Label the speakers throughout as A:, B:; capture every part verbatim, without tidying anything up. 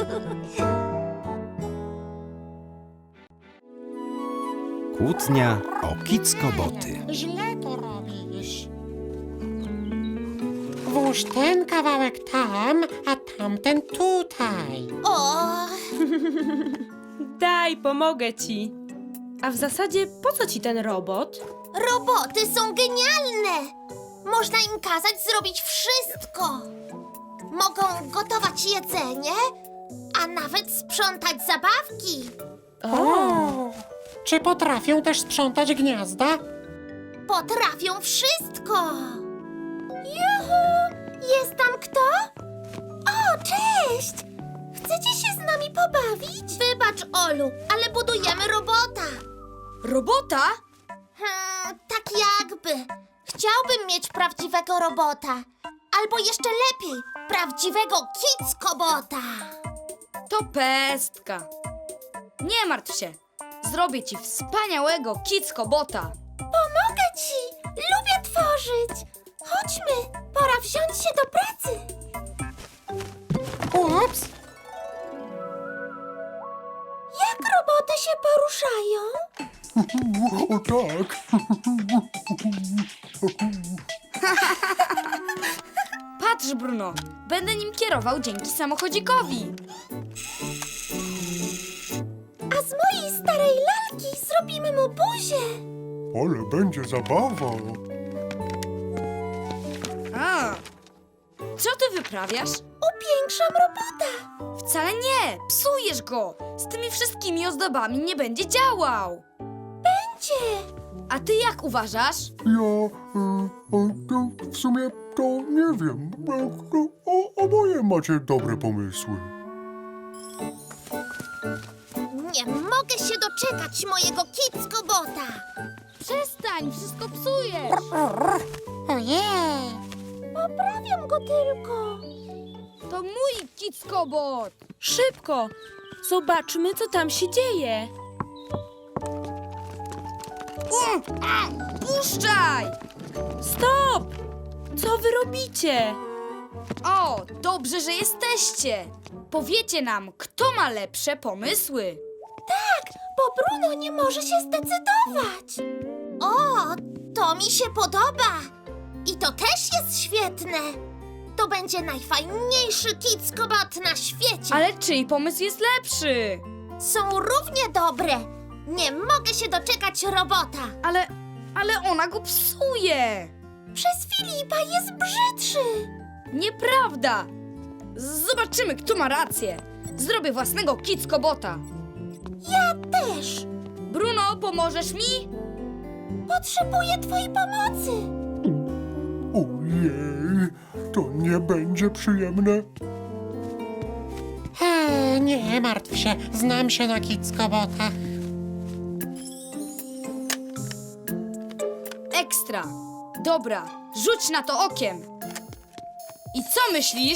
A: Kłótnia o kickoboty.
B: Źle to robisz. Włóż ten kawałek tam, a tamten tutaj.
C: O,
D: Daj, pomogę ci. A w zasadzie po co ci ten robot?
C: roboty są genialne! Można im kazać zrobić wszystko. Mogą gotować jedzenie, a nawet sprzątać zabawki.
B: O! Czy potrafią też sprzątać gniazda?
C: Potrafią wszystko. Juhu! Jest tam kto? O, cześć! Chcecie się z nami pobawić? Wybacz, Olu, ale budujemy robota.
E: Robota?
C: Hmm, tak jakby. Chciałbym mieć prawdziwego robota. Albo jeszcze lepiej, prawdziwego kickobota.
E: To pestka. Nie martw się. Zrobię ci wspaniałego kickobota.
C: Pomogę ci! Lubię tworzyć! Chodźmy, pora wziąć się do pracy.
B: Ups!
C: Jak roboty się poruszają?
B: O tak!
E: Patrz, Bruno. Będę nim kierował dzięki samochodzikowi.
C: A z mojej starej lalki zrobimy mu buzię.
B: Ale będzie zabawa.
E: A. Co ty wyprawiasz?
C: Upiększam robota.
E: Wcale nie. Psujesz go. Z tymi wszystkimi ozdobami nie będzie działał.
C: Będzie.
E: A ty jak uważasz?
F: Ja e, e, to w sumie to nie wiem. E, o, oboje macie dobre pomysły.
C: Nie mogę się doczekać mojego kickobota.
E: Przestań, wszystko psujesz.
B: Ojej!
C: Poprawiam go tylko.
E: To mój kickobot.
D: Szybko! Zobaczmy, co tam się dzieje.
E: Um, a, puszczaj!
D: Stop! Co wy robicie?
E: O, dobrze, że jesteście. Powiecie nam, kto ma lepsze pomysły.
C: Tak, bo Bruno nie może się zdecydować. O, to mi się podoba. I to też jest świetne. To będzie najfajniejszy kickobot na świecie.
E: Ale czyj pomysł jest lepszy?
C: Są równie dobre. Nie mogę się doczekać robota.
E: Ale, ale ona go psuje.
C: Przez Filipa jest brzydszy.
E: Nieprawda. Zobaczymy, kto ma rację. Zrobię własnego kickobota.
C: Ja też.
E: Bruno, pomożesz mi?
C: Potrzebuję twojej pomocy.
F: Ojej, to nie będzie przyjemne.
B: E, nie martw się, znam się na kickobotach.
E: Ekstra. Dobra, rzuć na to okiem. I co myślisz?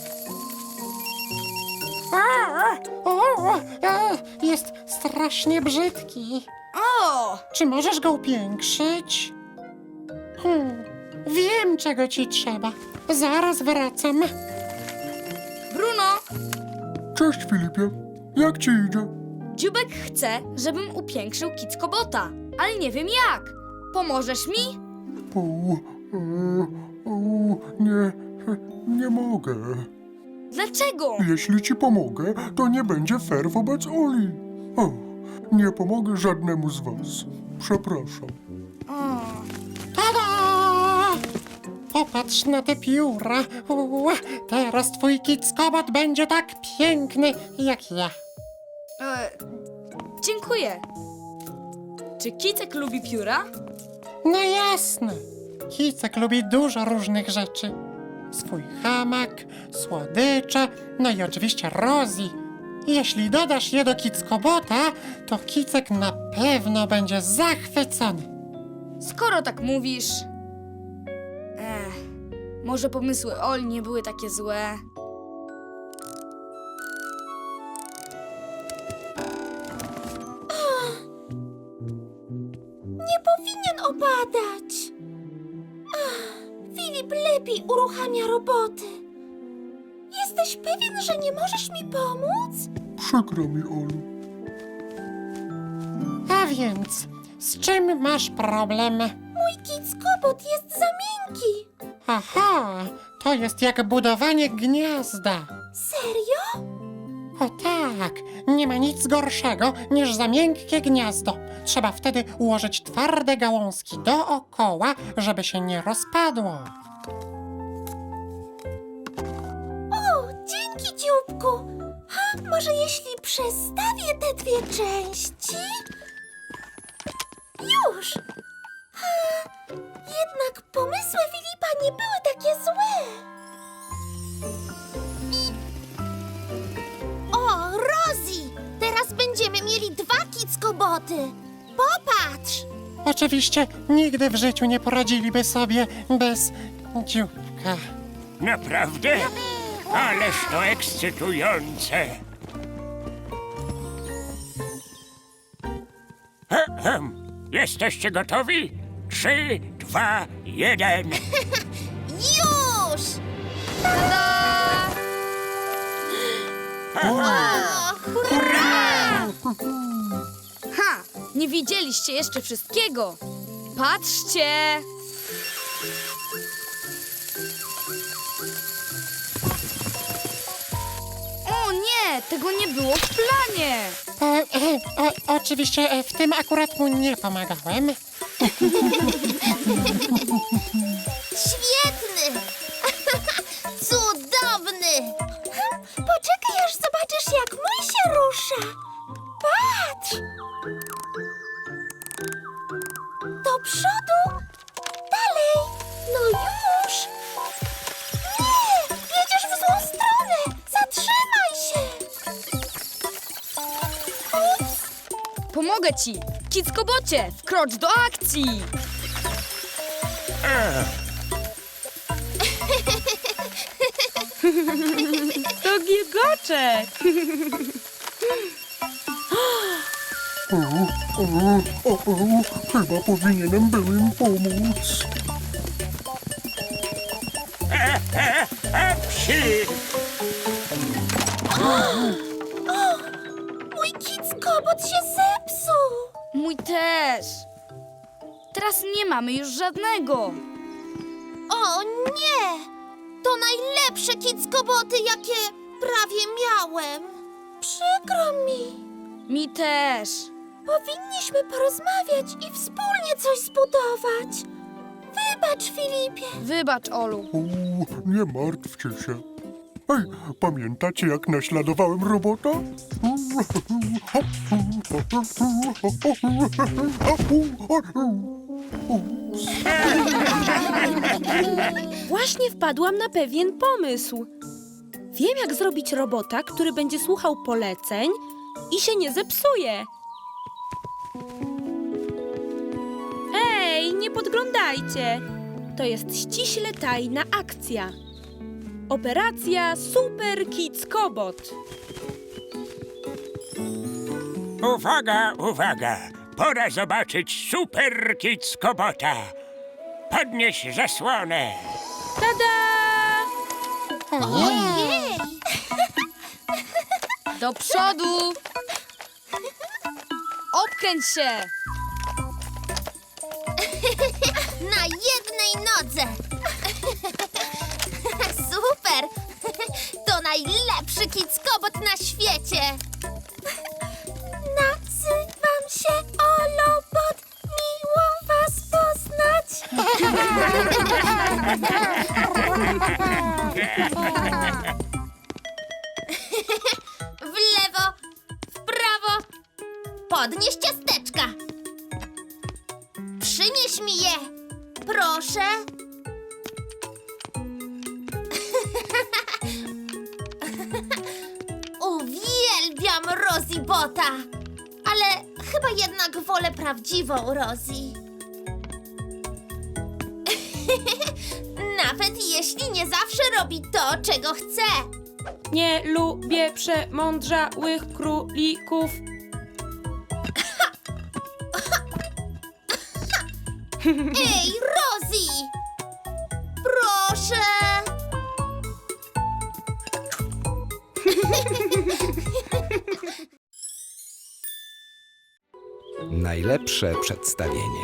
B: O, o, e, jest strasznie brzydki.
E: O!
B: Czy możesz go upiększyć? Hmm, wiem, czego ci trzeba. Zaraz wracam.
E: Bruno,
F: Cześć Filipie, jak ci idzie?
E: Dziubek chce, żebym upiększył kickobota, ale nie wiem jak. Pomożesz mi?
F: O, e, o, nie, nie mogę.
E: Dlaczego?
F: Jeśli ci pomogę, to nie będzie fair wobec Oli. O, nie pomogę żadnemu z was. Przepraszam.
E: O.
B: Tada! Popatrz na te pióra. Ua, teraz twój kickobot będzie tak piękny jak ja.
E: E, dziękuję. Czy Kicek lubi pióra?
B: No jasne. Kicek lubi dużo różnych rzeczy. Swój hamak, słodycze, no i oczywiście Rosie. Jeśli dodasz je do kickobota, to Kicek na pewno będzie zachwycony.
E: Skoro tak mówisz... Ech, może pomysły Oli nie były takie złe.
C: Nie powinien opadać. Ach, Filip lepiej uruchamia roboty. Jesteś Jesteś pewien, że nie możesz mi pomóc?
F: Przykro mi, Olu.
B: A więc, z czym masz problem?
C: Mój kickobot jest za miękki.
B: Aha, to jest jak budowanie gniazda.
C: Serio?
B: O tak, nie ma nic gorszego niż za miękkie gniazdo. Trzeba wtedy ułożyć twarde gałązki dookoła, żeby się nie rozpadło.
C: O, dzięki, dzióbku. Ha, może jeśli przestawię te dwie części? Już. Ha, jednak pomysły Filipa nie były takie złe. O, Rosie! Teraz będziemy mieli dwa kickoboty. Popatrz!
B: Oczywiście nigdy w życiu nie poradziliby sobie bez dzióbka.
G: Naprawdę? Ależ to ekscytujące! Ehem. Jesteście gotowi? Trzy, dwa, jeden.
C: Już! O, hurra!
E: Ha! Nie widzieliście jeszcze wszystkiego. Patrzcie! O nie! Tego nie było w planie!
B: O, e, o, oczywiście e, w tym akurat mu nie pomagałem.
C: Świetny! Cudowny! Poczekaj, aż zobaczysz, jak mój się rusza. Patrz! Do przodu! Dalej! No już! Nie! Jedziesz w złą stronę! Zatrzymaj się! Ups!
E: Pomogę ci! Kickobocie, wkrocz do akcji!
D: To gilgoczek!
F: O, o, o, o, chyba powinienem był im pomóc.
G: Psi!
C: Mój kickobot się zepsuł!
E: Mój też! Teraz nie mamy już żadnego!
C: O nie! To najlepsze kickoboty, jakie prawie miałem. Przykro mi.
E: Mi też!
C: Powinniśmy porozmawiać i wspólnie coś zbudować. Wybacz, Filipie.
E: Wybacz, Olu.
F: O, nie martwcie się. Ej, pamiętacie, jak naśladowałem robota?
D: Właśnie wpadłam na pewien pomysł. Wiem, jak zrobić robota, który będzie słuchał poleceń i się nie zepsuje. Ej, nie podglądajcie! To jest ściśle tajna akcja. Operacja Super Kickobot.
G: Uwaga, uwaga! Pora zobaczyć Super Kickobota. Podnieś zasłonę.
D: Tada!
C: Ojej!
E: Do przodu! Obkręć się!
C: Na jednej nodze. Super! To najlepszy kickobot na świecie. Nazywam się Olobot. Miło was poznać. W lewo, w prawo. Podnieś ciasteczka. Przynieś mi je. Proszę. Uwielbiam Rosie Bota. Ale chyba jednak wolę prawdziwą Rosie. Nawet jeśli nie zawsze robi to, czego chce.
D: Nie lubię przemądrzałych królików.
C: Ej, Rosie! Proszę!
A: Najlepsze przedstawienie.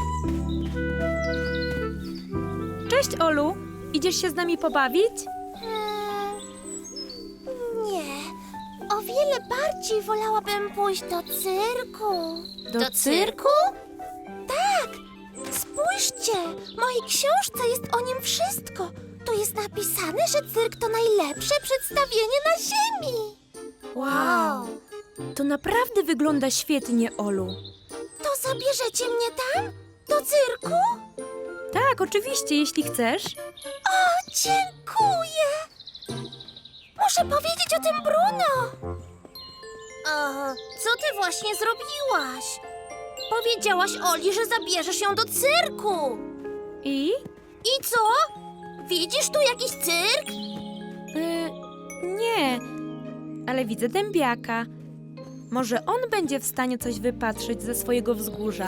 D: Cześć, Olu. Idziesz się z nami pobawić?
C: Hmm, nie. O wiele bardziej wolałabym pójść do cyrku.
D: Do cyrku?
C: Tak. Spójrzcie, w mojej książce jest o nim wszystko. Tu jest napisane, że cyrk to najlepsze przedstawienie na ziemi.
D: Wow. To naprawdę wygląda świetnie, Olu.
C: To zabierzecie mnie tam? Do cyrku?
D: Tak, oczywiście, jeśli chcesz.
C: O, dziękuję! Muszę powiedzieć o tym Bruno. O, co ty właśnie zrobiłaś? Powiedziałaś Oli, że zabierzesz ją do cyrku.
D: I?
C: I co? Widzisz tu jakiś cyrk?
D: Y, nie, ale widzę dębiaka. Może on będzie w stanie coś wypatrzyć ze swojego wzgórza.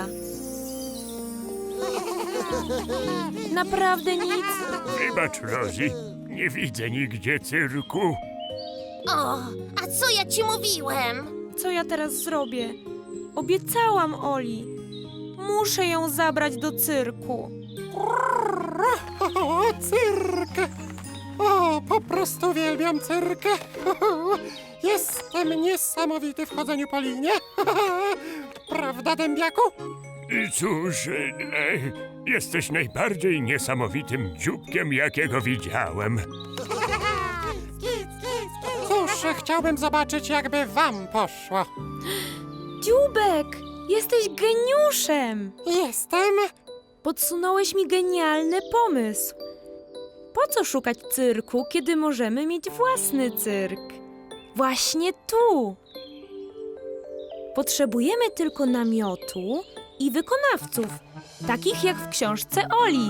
D: Naprawdę nic?
G: Wybacz, Rosie, nie widzę nigdzie cyrku.
C: O, a co ja ci mówiłem?
D: Co ja teraz zrobię? Obiecałam Oli. Muszę ją zabrać do cyrku.
B: O, cyrk! O, po prostu uwielbiam cyrk! Jestem niesamowity w chodzeniu po linie. Prawda, dębiaku?
G: Cóż, e, jesteś najbardziej niesamowitym dzióbkiem, jakiego widziałem.
B: Cóż, chciałbym zobaczyć, jakby wam poszło.
D: Dziubek, jesteś geniuszem.
B: Jestem...
D: Podsunąłeś mi genialny pomysł. Po co szukać cyrku, kiedy możemy mieć własny cyrk? Właśnie tu. Potrzebujemy tylko namiotu i wykonawców, takich jak w książce Oli.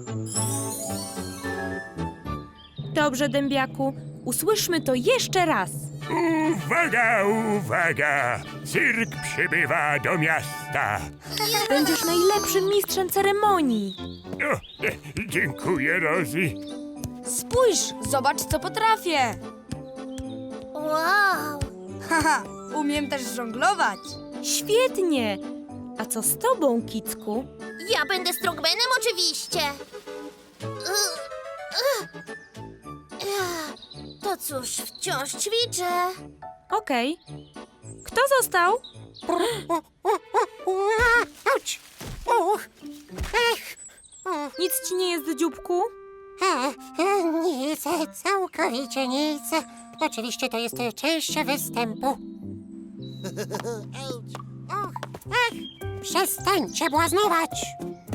D: Dobrze, dębiaku, usłyszmy to jeszcze raz.
G: Uwaga, uwaga! Cyrk przybywa do miasta.
D: Będziesz najlepszym mistrzem ceremonii.
G: O, e, dziękuję, Rosie.
E: Spójrz, zobacz, co potrafię.
C: Wow!
E: Haha, umiem też żonglować.
D: Świetnie. A co z tobą, Kicku?
C: Ja będę strongmanem oczywiście. Ugh, ugh. Ech, To cóż, wciąż ćwiczę.
D: Okej. Kto został?
B: O, o, o, o, auć! Uch! Ech! O,
D: Nic ci nie jest, dzióbku?
B: a, e, nic, całkowicie nic. Oczywiście to jest część występu. Och, ech! Przestańcie błaznować!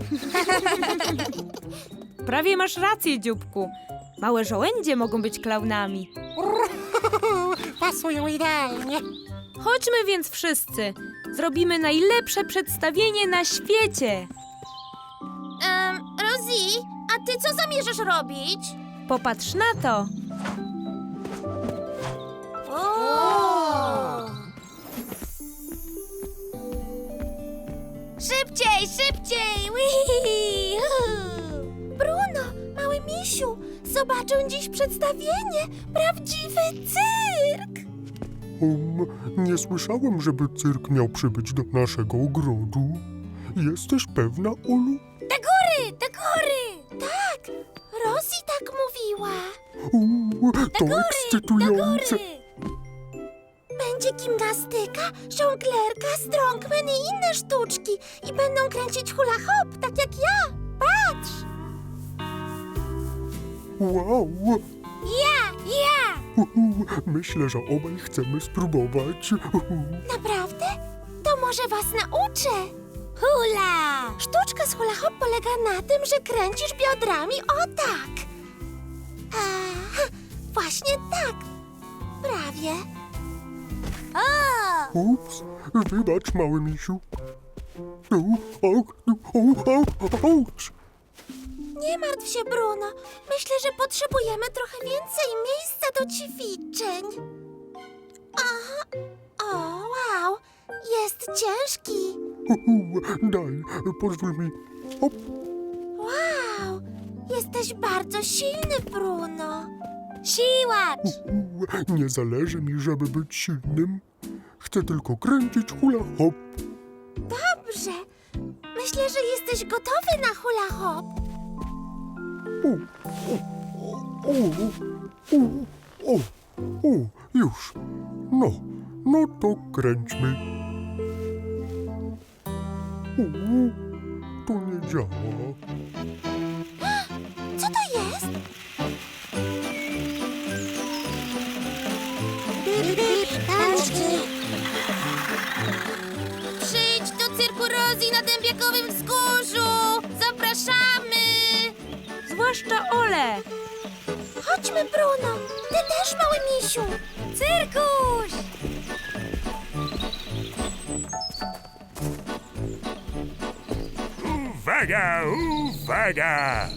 D: Prawie masz rację, dzióbku. Małe żołędzie mogą być klaunami.
B: Pasują idealnie.
D: Chodźmy więc wszyscy. Zrobimy najlepsze przedstawienie na świecie.
C: Um, Rosie, a ty co zamierzasz robić?
D: Popatrz na to.
C: O! Szybciej, szybciej! Wii! Bruno, mały misiu, zobaczę dziś przedstawienie. Prawdziwy cyrk!
F: Um, nie słyszałem, żeby cyrk miał przybyć do naszego ogrodu. Jesteś pewna, Olu?
C: Do góry, do góry! Tak, Rosie tak mówiła.
F: U, to
C: Do
F: ekscytujące.
C: góry! Będzie gimnastyka, żonglerka, strongman i inne sztuczki. I będą kręcić hula hop, tak jak ja. Patrz!
F: Wow!
C: Ja, ja!
F: Uhu, myślę, że obaj chcemy spróbować. Uhu.
C: Naprawdę? To może was nauczę. Hula! Sztuczka z hula hop polega na tym, że kręcisz biodrami o tak. Aha, właśnie tak. Prawie. O!
F: Ups, wybacz, mały misiu. U, o, o, o, auć.
C: Nie martw się, Bruno. Myślę, że potrzebujemy trochę więcej miejsca do ćwiczeń. Aha. O, wow. Jest ciężki.
F: Uhu, daj, pozwól mi. Hop.
C: Wow. Jesteś bardzo silny, Bruno. Siłacz.
F: Uhu. Nie zależy mi, żeby być silnym. Chcę tylko kręcić hula hop.
C: Dobrze. Myślę, że jesteś gotowy na hula hop.
F: O, o, o, o, o, już. No, no to kręćmy. O, to nie działa.
C: Co to jest? Przyjdź do cyrku Rosie na Dębiakowym Wzgórzu! Zapraszamy!
D: Zwłaszcza Ole.
C: Chodźmy, Bruno! Ty też, mały misiu! Cyrkuś!
G: Uwaga, uwaga!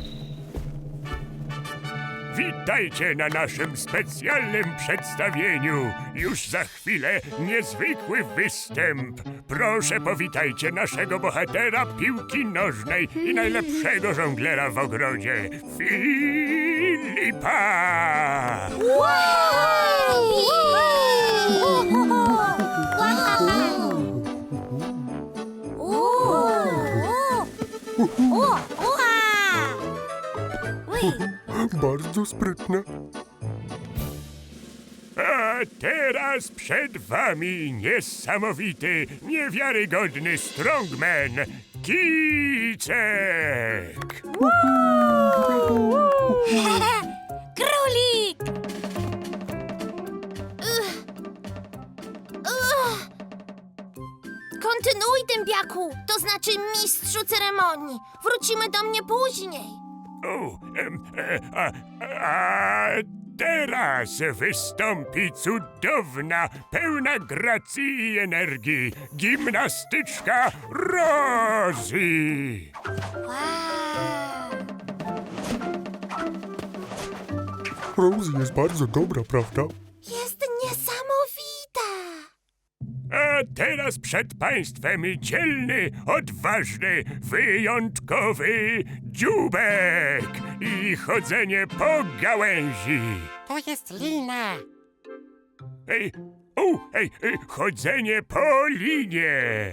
G: Witajcie na naszym specjalnym przedstawieniu. Już za chwilę niezwykły występ. Proszę powitajcie naszego bohatera piłki nożnej i najlepszego żonglera w ogrodzie, Filipa!
F: Bardzo sprytne.
G: A teraz przed wami niesamowity, niewiarygodny strongman, Kicek!
C: Królik! Ugh. Ugh. Kontynuuj, dębiaku, to znaczy mistrzu ceremonii. Wrócimy do mnie później.
G: O, em, e, a, a teraz wystąpi cudowna, pełna gracji i energii gimnastyczka Rosie.
F: Rosie jest bardzo dobra, prawda?
C: Jest niesamowita.
G: A teraz przed państwem dzielny, odważny, wyjątkowy dzióbek i chodzenie po gałęzi.
B: To jest lina.
G: Ej, o, ej, ej, chodzenie po linie.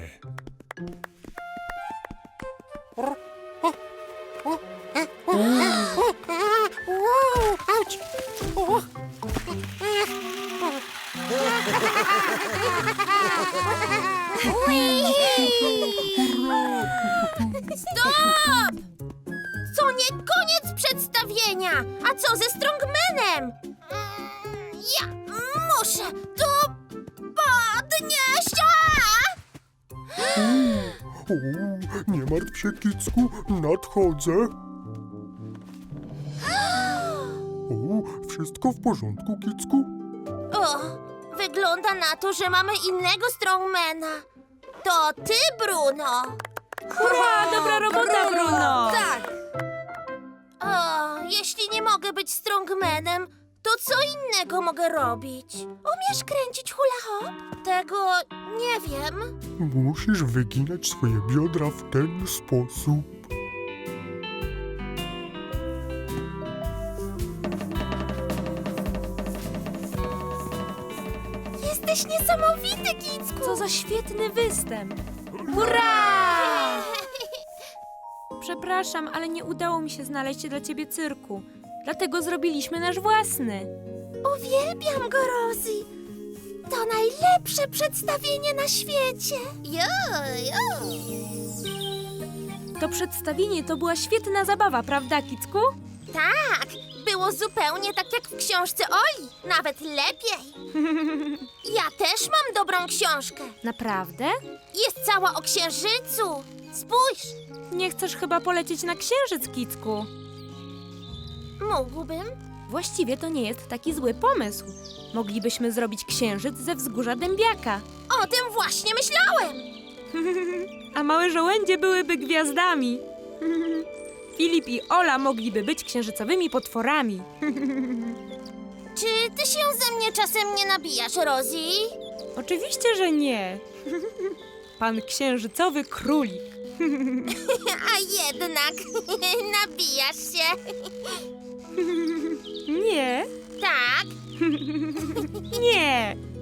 B: O, o, e, o, e, o, a, wow, auć. O, e,
C: Stop! To nie koniec przedstawienia. A co ze strongmanem? Mm, Ja muszę to podnieść. A!
F: O, nie martw się, Kicku, nadchodzę. O, wszystko w porządku, Kicku?
C: O, wygląda na to, że mamy innego strongmana. To ty, Bruno.
D: Hurra, dobra robota, Bruno.
C: Tak. O, jeśli nie mogę być strongmanem, to co innego mogę robić? Umiesz kręcić hula hop? Tego nie wiem.
F: Musisz wyginać swoje biodra w ten sposób.
C: Jesteś niesamowity, Kicku.
D: Co za świetny występ. Hurra! Przepraszam, ale nie udało mi się znaleźć dla ciebie cyrku. Dlatego zrobiliśmy nasz własny.
C: Uwielbiam go, Rosie. To najlepsze przedstawienie na świecie. Jo, jo.
D: To przedstawienie to była świetna zabawa, prawda, Kicku?
C: Tak, było zupełnie tak jak w książce Oli, nawet lepiej. Ja też mam dobrą książkę.
D: Naprawdę?
C: Jest cała o księżycu. Spójrz,
D: Nie chcesz chyba polecieć na księżyc, Kicku?
C: mógłbym.
D: Właściwie to nie jest taki zły pomysł. Moglibyśmy zrobić księżyc ze wzgórza Dębiaka.
C: O tym właśnie myślałem.
D: A małe żołędzie byłyby gwiazdami. Filip i Ola mogliby być księżycowymi potworami.
C: Czy ty się ze mnie czasem nie nabijasz, Rosie?
D: Oczywiście, że nie. Pan księżycowy królik.
C: A jednak nabijasz się.
D: Nie.
C: Tak,
D: Nie,